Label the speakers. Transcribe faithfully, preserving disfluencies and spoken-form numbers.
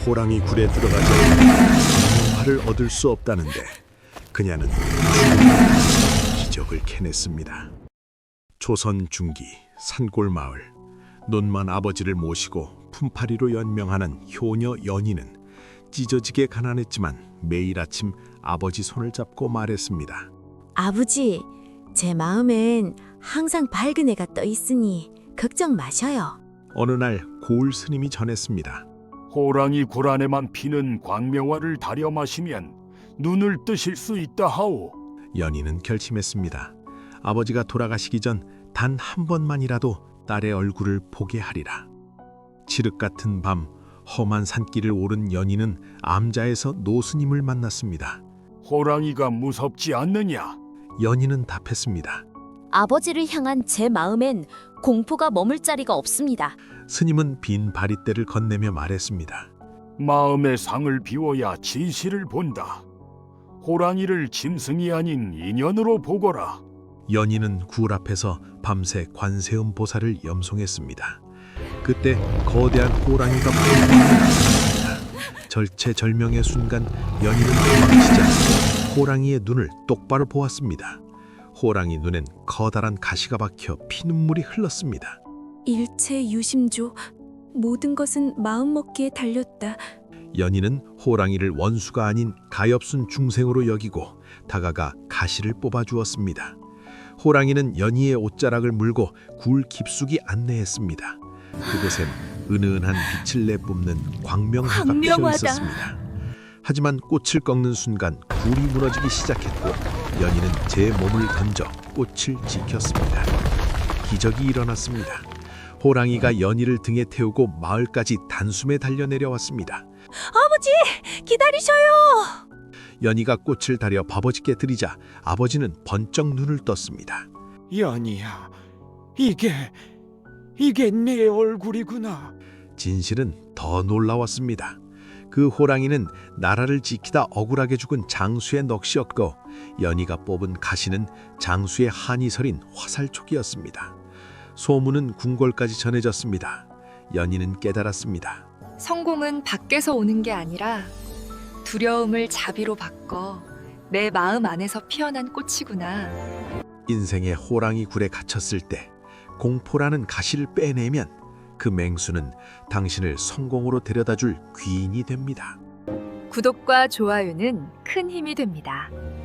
Speaker 1: 호랑이 굴에 들어가지 않으면 화를 얻을 수 없다는데 그녀는 기적을 캐냈습니다. 조선 중기 산골 마을, 논만 아버지를 모시고 품팔이로 연명하는 효녀 연희는 찢어지게 가난했지만 매일 아침 아버지 손을 잡고 말했습니다.
Speaker 2: 아버지, 제 마음엔 항상 밝은 해가 떠 있으니 걱정 마셔요.
Speaker 1: 어느 날 고을 스님이 전했습니다.
Speaker 3: 호랑이 굴 안에만 피는 광명화를 다려 마시면 눈을 뜨실 수 있다 하오.
Speaker 1: 연희는 결심했습니다. 아버지가 돌아가시기 전 단 한 번만이라도 딸의 얼굴을 보게 하리라. 칠흑 같은 밤 험한 산길을 오른 연희는 암자에서 노스님을 만났습니다.
Speaker 3: 호랑이가 무섭지 않느냐?
Speaker 1: 연희는 답했습니다.
Speaker 4: 아버지를 향한 제 마음엔 공포가 머물 자리가 없습니다.
Speaker 1: 스님은 빈 바리떼를 건네며 말했습니다.
Speaker 3: 마음의 상을 비워야 진실을 본다. 호랑이를 짐승이 아닌 인연으로 보거라.
Speaker 1: 연희는 굴 앞에서 밤새 관세음 보살을 염송했습니다. 그때 거대한 호랑이가 몰려왔습니다. 절체절명의 순간 연희는 도망치자 호랑이의 눈을 똑바로 보았습니다. 호랑이 눈엔 커다란 가시가 박혀 피눈물이 흘렀습니다.
Speaker 2: 일체 유심조, 모든 것은 마음먹기에 달렸다.
Speaker 1: 연희는 호랑이를 원수가 아닌 가엾은 중생으로 여기고 다가가 가시를 뽑아주었습니다. 호랑이는 연희의 옷자락을 물고 굴 깊숙이 안내했습니다. 그곳엔 은은한 빛을 내뿜는 광명화가 피어
Speaker 2: 광명화다.
Speaker 1: 있었습니다. 하지만 꽃을 꺾는 순간 굴이 무너지기 시작했고 연희는 제 몸을 던져 꽃을 지켰습니다. 기적이 일어났습니다. 호랑이가 연희를 등에 태우고 마을까지 단숨에 달려내려왔습니다.
Speaker 2: 아버지, 기다리셔요.
Speaker 1: 연희가 꽃을 다려 아버지께 드리자 아버지는 번쩍 눈을 떴습니다.
Speaker 5: 연희야, 이게 이게 내 얼굴이구나.
Speaker 1: 진실은 더 놀라웠습니다. 그 호랑이는 나라를 지키다 억울하게 죽은 장수의 넋이었고 연희가 뽑은 가시는 장수의 한이 서린 화살촉이었습니다. 소문은 궁궐까지 전해졌습니다. 연희는 깨달았습니다.
Speaker 6: 성공은 밖에서 오는 게 아니라 두려움을 자비로 바꿔 내 마음 안에서 피어난 꽃이구나.
Speaker 1: 인생의 호랑이 굴에 갇혔을 때 공포라는 가시를 빼내면 그 맹수는 당신을 성공으로 데려다줄 귀인이 됩니다.
Speaker 6: 구독과 좋아요는 큰 힘이 됩니다.